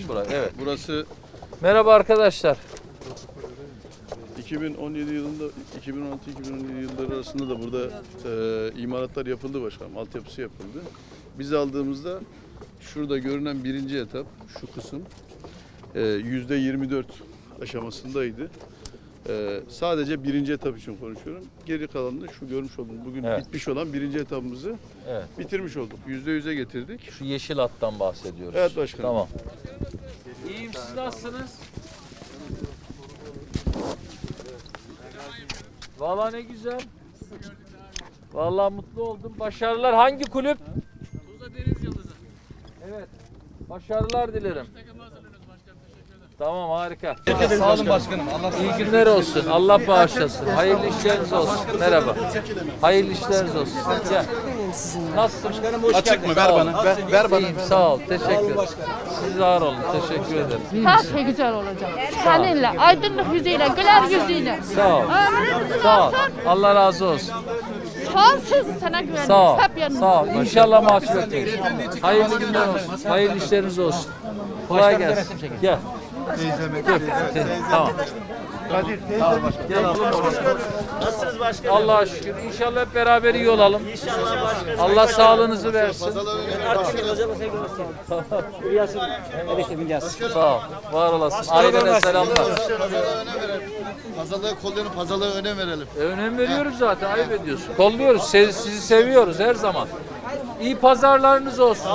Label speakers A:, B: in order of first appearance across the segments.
A: mi burası? Evet.
B: Burası
A: Merhaba arkadaşlar.
B: 2017 yılında 2016-2017 yılları arasında da burada imalatlar yapıldı başkanım. Altyapısı yapıldı. Biz aldığımızda şurada görünen birinci etap şu kısım %24 aşamasındaydı. Sadece birinci etap için konuşuyorum. Geri kalanını şu görmüş olduğunuz bugün bitmiş olan birinci etapımızı bitirmiş olduk. %100'e getirdik.
A: Şu yeşil hattan bahsediyoruz.
B: Evet başkanım.
A: Tamam. İyiyim, siz nasılsınız? Vallahi ne güzel. Vallahi mutlu oldum. Başarılar. Hangi kulüp?
C: Tuzla Deniz Yıldızı.
A: Evet. Başarılar dilerim. Tamam, harika.
D: Sağ olun başkanım.
A: İyi günler olsun. Allah bağışlasın. Hayırlı işleriniz olsun. Merhaba. Hayırlı işleriniz olsun. Gel. Nasılsın?
D: Açık mı? Ver bana. Ver bana.
A: İyiyim, sağ ol. Teşekkür ederim. Siz var olun. Teşekkür ederim.
E: Her şey güzel olacak. Seninle, aydınlık yüzüyle, güler yüzüyle.
A: Sağ ol. Sağ ol. Allah razı olsun.
E: Sonsuz sana güveniyoruz.
A: Sağ ol.
E: Hep yanımızda.
A: Sağ ol. İnşallah mahcup etmeyiz. Hayırlı günler olsun. Hayırlı işleriniz olsun. Kolay gelsin. Gel. Dur. Tamam.
C: Nasılsınız başkanım?
A: Allah'a şükür. İnşallah hep beraber iyi olalım.
C: İnşallah başkanım.
A: Allah sağlığınızı versin.
C: Artık hocama sevgi olsun. Rüyasın. Evet, bineceğiz.
A: Sağ ol. Var olasın. Ailene selamlar.
F: Pazarlığı kollayalım, pazarlığa önem verelim.
A: Önem veriyoruz zaten. Ayıp ediyorsun. Kolluyoruz. Sizi seviyoruz her zaman. İyi pazarlarınız olsun.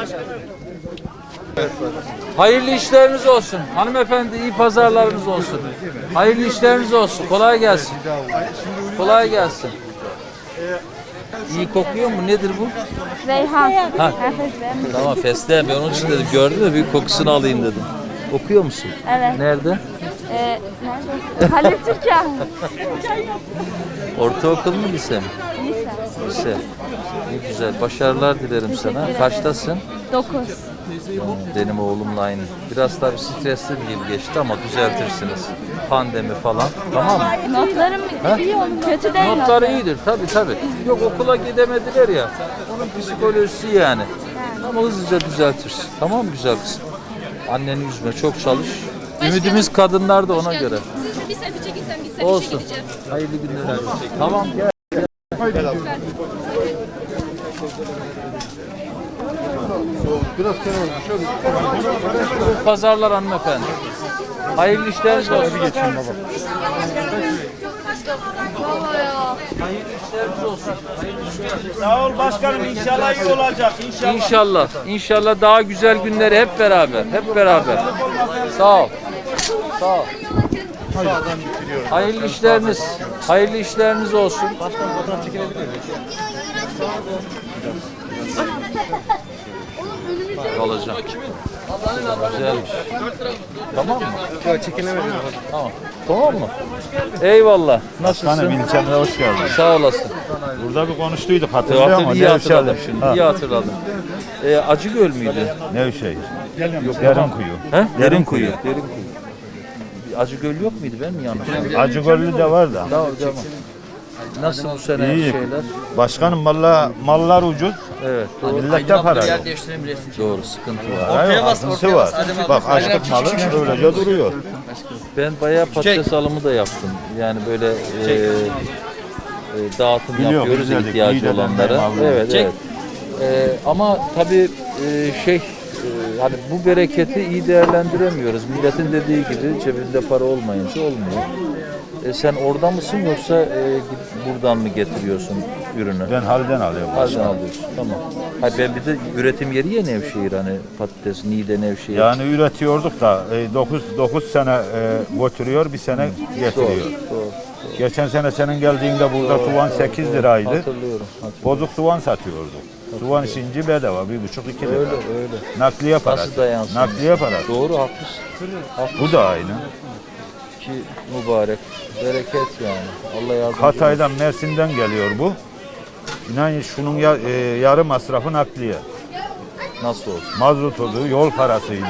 A: Hayırlı işleriniz olsun. Hanımefendi iyi pazarlarınız olsun. Hayırlı işleriniz olsun. Kolay gelsin. Kolay gelsin. İyi kokuyor mu? Nedir bu?
E: Reyhan.
A: Ha. Tamam, fesleğen. Ben onun için dedim. Gördün mü? Bir kokusunu alayım dedim. Okuyor musun?
E: Evet.
A: Nerede?
E: Nerede? Halil Türkan.
A: Ortaokul mu, lise mi?
E: Lise.
A: Lise. Ne güzel. Başarılar dilerim sana. Kaçtasın?
E: 9.
A: Benim oğlumla aynı. Biraz tabii stresli bir yıl geçti ama düzeltirsiniz. Pandemi falan. Tamam mı?
E: Notlarım iyi olur. Kötü değil
A: Notları iyidir tabii. Yok, okula gidemediler ya. Onun psikolojisi yani. Ama hızlıca düzeltirsin. Tamam mı güzel kızım? Anneni üzme, çok çalış. Ümidimiz kadınlar da ona göre.
G: Siz bir selfie çekilsem gitsem
A: Olsun.
G: işe gideceğim.
A: Hayırlı günler. Tamam, gel. Pazarlar hanımefendi. Hayırlı işleriniz olsun. Hayırlı işleriniz olsun.
C: Sağ ol başkanım. İnşallah iyi olacak. İnşallah.
A: İnşallah. İnşallah daha güzel günleri hep beraber. Hep beraber. Sağ ol. Sağ ol. Hayırlı işleriniz. Hayırlı işleriniz olsun. Alacağım. Güzelmiş. Tamam mı?
D: Yok çekinemedim.
A: Tamam. Tamam mı? Eyvallah. Nasılsın?
H: Hanım ilçemde hoş geldin.
A: Sağ olasın.
H: Burada bir konuştuyduk hatırlıyor musun?
A: İyi hatırladım şimdi.
H: Ha.
A: İyi hatırladım. Acıgöl müydü?
H: Nevşehir. Derinkuyu.
A: He?
H: Derinkuyu.
A: Derinkuyu. Acıgöl yok muydu? Ben mi yanlış?
H: Acıgöllü de var da.
A: Tamam. Nasıl bu sene
H: İyi.
A: şeyler?
H: Başkanım mallar ucuz.
A: Evet. Doğru.
H: Millette para yok.
A: Doğru. Sıkıntı var.
H: Hayır, azısı var. Bak açlık malı öylece duruyor.
A: Ben bayağı patates alımı da yaptım. Yani böyle dağıtım
H: Biliyorum,
A: yapıyoruz
H: güzellik,
A: ihtiyacı
H: iyi de
A: olanlara.
H: ben de
A: Evet. Ama tabii hani bu bereketi iyi değerlendiremiyoruz. Milletin dediği gibi cebinde para olmayınca olmuyor. Sen orada mısın yoksa buradan mı getiriyorsun ürünü?
H: Ben halden alıyorum.
A: Halden alıyorsun. Tamam. Hayır, ben bir de üretim yeri ya Nevşehir, hani patates, Niğde, Nevşehir.
H: Yani üretiyorduk da 9 sene götürüyor, bir sene getiriyor.
A: Doğru.
H: Geçen sene senin geldiğinde burada soğan 8 liraydı.
A: Hatırlıyorum.
H: Bozuk soğan satıyorduk. Soğan şinci bedava 1,5-2 lira.
A: Öyle.
H: Nakliye parası.
A: Nasıl dayansın?
H: Nakliye parası.
A: Doğru, haklısın.
H: Bu da aynı.
A: Ki mübarek, bereket yani. Allah yardımcı olsun.
H: Hatay'dan, Mersin'den geliyor bu. İnan şunun yarı masrafı nakliye.
A: Nasıl oldu?
H: Mazotudu, yol parasıydı.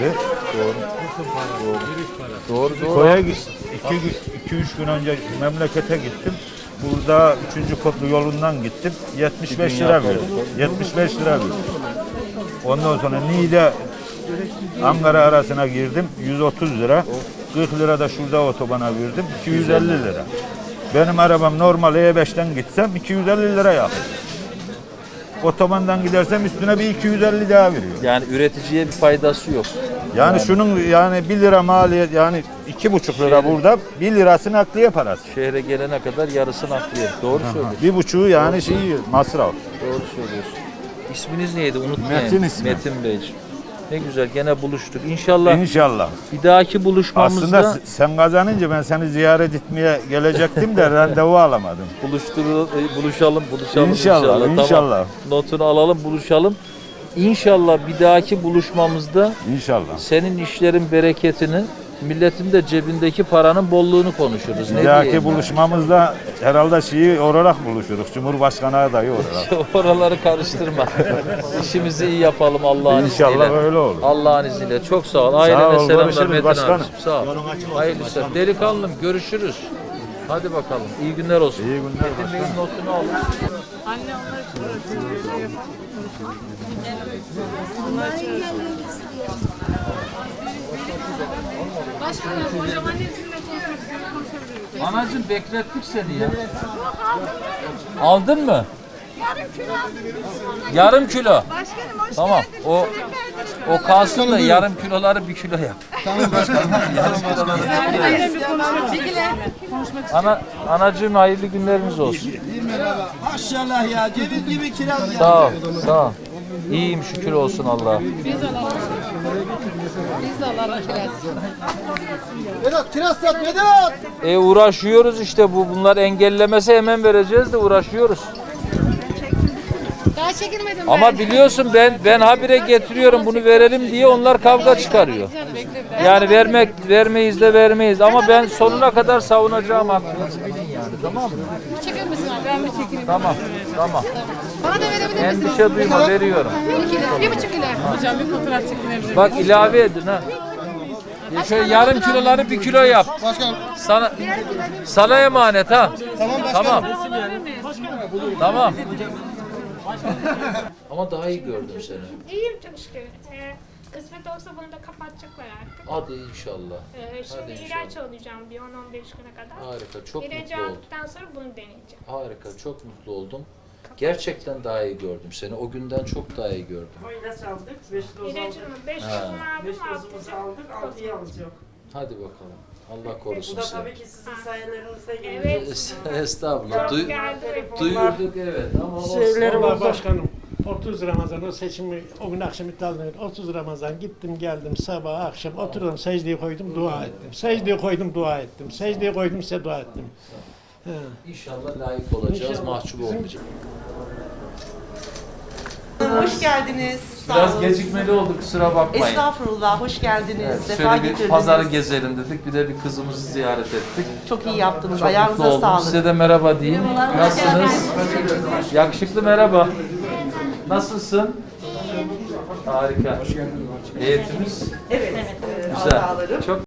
A: Doğru.
H: Koya 2-3 gün önce memlekete gittim. Burada 3. Köprü yolundan gittim. 75 lira verdim. 75 lira verdim. Ondan sonra Niğde Ankara arasına girdim 130 lira. 40 lira da şurada otobana verdim 250 lira. Benim arabam normal E5'ten gitsem 250 lira yakıyor. Otobandan gidersem üstüne bir 250 daha veriyor.
A: Yani üreticiye bir faydası yok.
H: Yani şunun yani 1 lira maliyet yani 2,5 lira burada 1 lirası nakliye parası.
A: Şehre gelene kadar yarısı nakliye. Doğru söylüyorsun.
H: 1,5 yani masraf.
A: Doğru söylüyorsun. İsminiz neydi? Unutmayın.
H: Metin ismi.
A: Metin Beyciğim. Ne güzel gene buluştuk. İnşallah
H: İnşallah.
A: bir dahaki buluşmamızda
H: Aslında sen kazanınca ben seni ziyaret etmeye gelecektim de randevu alamadım.
A: buluşalım
H: İnşallah,
A: Tamam.
H: inşallah.
A: Notunu alalım, buluşalım. İnşallah bir dahaki buluşmamızda
H: İnşallah.
A: senin işlerin bereketini, milletin de cebindeki paranın bolluğunu konuşuruz.
H: Bir
A: Ne
H: dahaki
A: diyeyim ben?
H: buluşmamızda herhalde şeyi olarak buluşuruz. Cumhurbaşkanı adayı olarak.
A: Oraları karıştırma. İşimizi iyi yapalım Allah'ın izniyle.
H: İnşallah öyle olur.
A: Allah'ın izniyle. Çok sağ ol. Ailene
H: ol,
A: selamlar
H: görüşürüz
A: Metin
H: başkanım.
A: abiciğim. Sağ ol. Hayırlı işler. Delikanlım görüşürüz. Hadi bakalım. İyi günler olsun.
H: İyi günler
A: Metin Bey'in notunu alın.
E: Başkanım hocam annesiyle konuşabiliriz.
A: Anacığım beklettik seni ya. Aldın mı? Yarım kilo.
E: Başkanım hoş
A: Tamam. O kalsın da yarım kiloları 1 kilo yap. Anacığım hayırlı günleriniz olsun.
C: Maşallah ya. Ceviz gibi kiraz ya.
A: Sağ ol. Sağ ol. İyiyim şükür olsun Allah'a.
F: Vedat kiraz sat Vedat.
A: Uğraşıyoruz işte bunlar engellemese hemen vereceğiz de uğraşıyoruz.
E: Daha çekilmedim
A: Ama biliyorsun ben habire getiriyorum bunu verelim diye onlar kavga çıkarıyor. Yani vermeyiz de vermeyiz ama ben sonuna kadar savunacağım hakkınızı bilin yani, tamam mı?
E: Çekilir misin abi? Ben mi çekeyim?
A: Tamam.
E: Bana da verebilir misin?
A: Endişe duyma, veriyorum.
E: 1 kilo, 1,5 kilo. Hocam bir fotoğraf çekilebilir.
A: Bak ilave edin ha. Şöyle yarım kiloları 1 kilo yap.
F: Başkanım.
A: Sana emanet ha.
F: Tamam başkanım.
A: Tamam. Tamam. Ama daha iyi gördüm seni.
G: İyiyim çok şükür. Kısmet olsa bunu da kapatacaklar artık.
A: Hadi inşallah.
G: Şimdi ilaç alacağım bir 10-15 güne kadar.
A: Harika, çok
G: İlacı
A: mutlu oldum.
G: aldıktan sonra bunu deneyeceğim.
A: Harika, çok mutlu oldum. Gerçekten daha iyi gördüm seni. O günden çok daha iyi gördüm.
I: İlaç aldık, 5 doz aldık.
G: İlacımı 5 dozumu
I: 5
G: aldım,
I: dozumuzu aldık, 6'yı alacak.
A: Hadi bakalım. Allah korusun
I: Bu da
A: seni.
I: tabii ki sizin sayelerinizde
G: Evet.
I: geliyor.
A: Estağfurullah.
G: Geldi.
A: Duyurduk evet ama olsun.
I: Şeyleri
J: Vallahi
I: oldu.
J: başkanım 30 Ramazan o seçimi o gün akşam iptal edildi. 30 Ramazan gittim geldim sabah akşam oturdum secdeye koydum dua ettim. Secdeye koydum dua ettim. Secdeye koydum size dua ettim.
A: İnşallah layık olacağız,
J: İnşallah.
A: mahcup olmayacağız.
I: Hoş geldiniz. Sağ
A: Biraz
I: olun.
A: gecikmeli oldu, kusura bakmayın.
I: Estağfurullah, hoş geldiniz.
A: Evet,
I: Sefa
A: şöyle bir
I: getirdiniz.
A: pazarı gezelim dedik, bir de bir kızımızı ziyaret ettik.
I: Çok iyi yaptınız.
A: Çok mutlu
I: Ayağınıza
A: oldum.
I: sağlık.
A: Size de merhaba diyeyim. Nasılsınız? Yakışıklı merhaba. Nasılsın? Harika. Eğitimimiz
I: Evet.
A: güzel.
I: Hatalarım.
A: Çok